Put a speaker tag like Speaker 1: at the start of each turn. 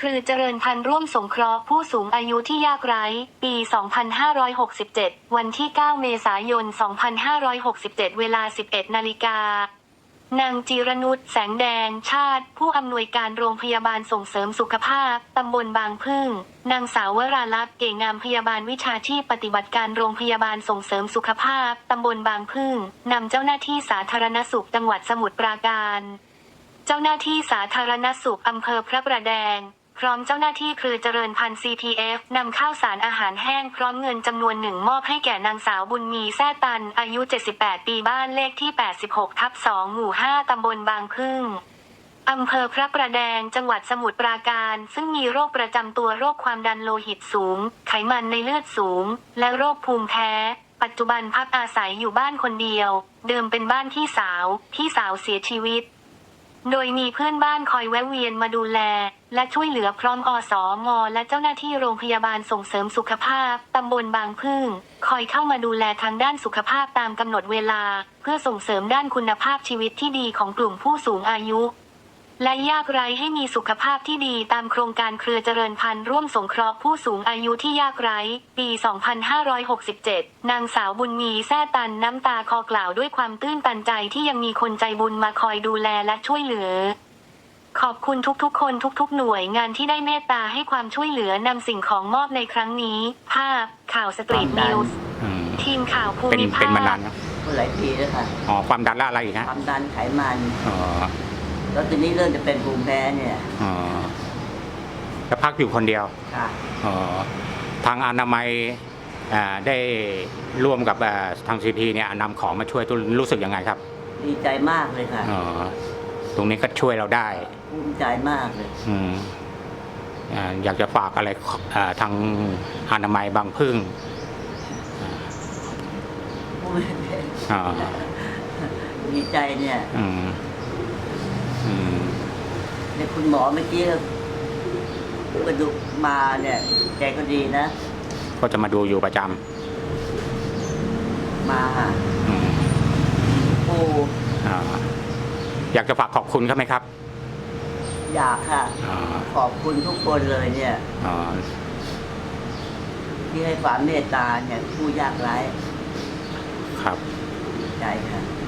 Speaker 1: ครือเจริญพันธุ์ร่วมสงเคราะห์ผู้สูงอายุที่ยากไร้ปี 2567 วันที่ 9 เมษายน 2567 เวลา 11 นาฬิกานางจิรนุช แสงแดงชาติ ผู้อำนวยการโรงพยาบาลส่งเสริมสุขภาพ ตำบลบางพึ่ง นางสาววราลักษณ์ เก่งงามพยาบาลวิชาชีพปฏิบัติการโรงพยาบาลส่งเสริมสุขภาพ ตำบลบางพึ่ง นำเจ้าหน้าที่สาธารณสุขจังหวัดสมุทรปราการ เจ้าหน้าที่สาธารณสุขอำเภอพระประแดง พร้อมเจ้าหน้าที่เครือเจริญพันธุ์ CPF นำข้าวสารอาหารแห้งพร้อมเงินจำนวนหนึ่งมอบให้แก่นางสาวบุญมีแซ่ตัน อายุ 78 ปีบ้านเลขที่ 86/2 หมู่ 5 ตำบลบางพึ่ง อำเภอพระประแดง จังหวัดสมุทรปราการ ซึ่งมีโรคประจำตัวโรคความดันโลหิตสูง ไขมันในเลือดสูง และโรคภูมิแพ้ ปัจจุบันพักอาศัยอยู่บ้านคนเดียว เดิมเป็นบ้านพี่สาวเสียชีวิต โดยมีเพื่อนบ้านคอยแวะเวียนมาดูแล และช่วยเหลือพร้อมอสม.และเจ้าหน้าที่โรงพยาบาลส่งเสริมสุขภาพ ตำบลบางพึ่ง คอยเข้ามาดูแลทางด้านสุขภาพตามกำหนดเวลา เพื่อส่งเสริมด้านคุณภาพชีวิตที่ดีของกลุ่มผู้สูงอายุและยากไร้ให้มีสุขภาพที่ดีตามโครงการเครือเจริญพันธุ์ร่วมสงเคราะห์ผู้สูงอายุที่ยากไร้ปี 2567 นางสาวบุญมีแซ่ตันน้ำตาคลอกล่าวด้วยความตื้นตันใจที่ยังมีคนใจบุญมาคอยดูแลและช่วยเหลือขอบคุณทุกๆคนทุกๆหน่วยงานที่ได้เมตตาให้ความช่วยเหลือนำสิ่งของมอบในครั้งนี้ภาพข่าวสตรีทนิวส์ทีมข่าวภูมิภาค
Speaker 2: เป็นมานานนะ
Speaker 3: หลายปีแล้วค่ะ
Speaker 2: ความดันและอะไรอีกฮะ
Speaker 3: ความดันไขมันแล้วทีนี้เริ่มจะเป็นภูมิแพ้เนี่ย
Speaker 2: จะพักอยู่คนเดียว
Speaker 3: ค่ะ
Speaker 2: ทางอนามัยได้ร่วมกับทางซีพีเนี่ยนำของมาช่วยรู้สึกยังไงครับ
Speaker 3: ดีใจมากเลยค่ะ
Speaker 2: ตรงนี้ก็ช่วยเราได้
Speaker 3: ภูมิใจมากเลย
Speaker 2: อยากจะฝากอะไรทางอนามัยบางพึ่ง
Speaker 3: ดีใจเนี่ยคุณหมอเมื่อกี้ก็ดูมาเนี่ยแกก็ดีนะ
Speaker 2: ก็จะมาดูอยู่ประจ
Speaker 3: ำมาปู
Speaker 2: อยากจะฝากขอบคุณเขาไหมครับ
Speaker 3: อยากค่ะขอบคุณทุกคนเลยเนี่ยที่ให้ความเมตตาเนี่ยผู้ยากไร้
Speaker 2: ครับ
Speaker 3: ใจค่ะ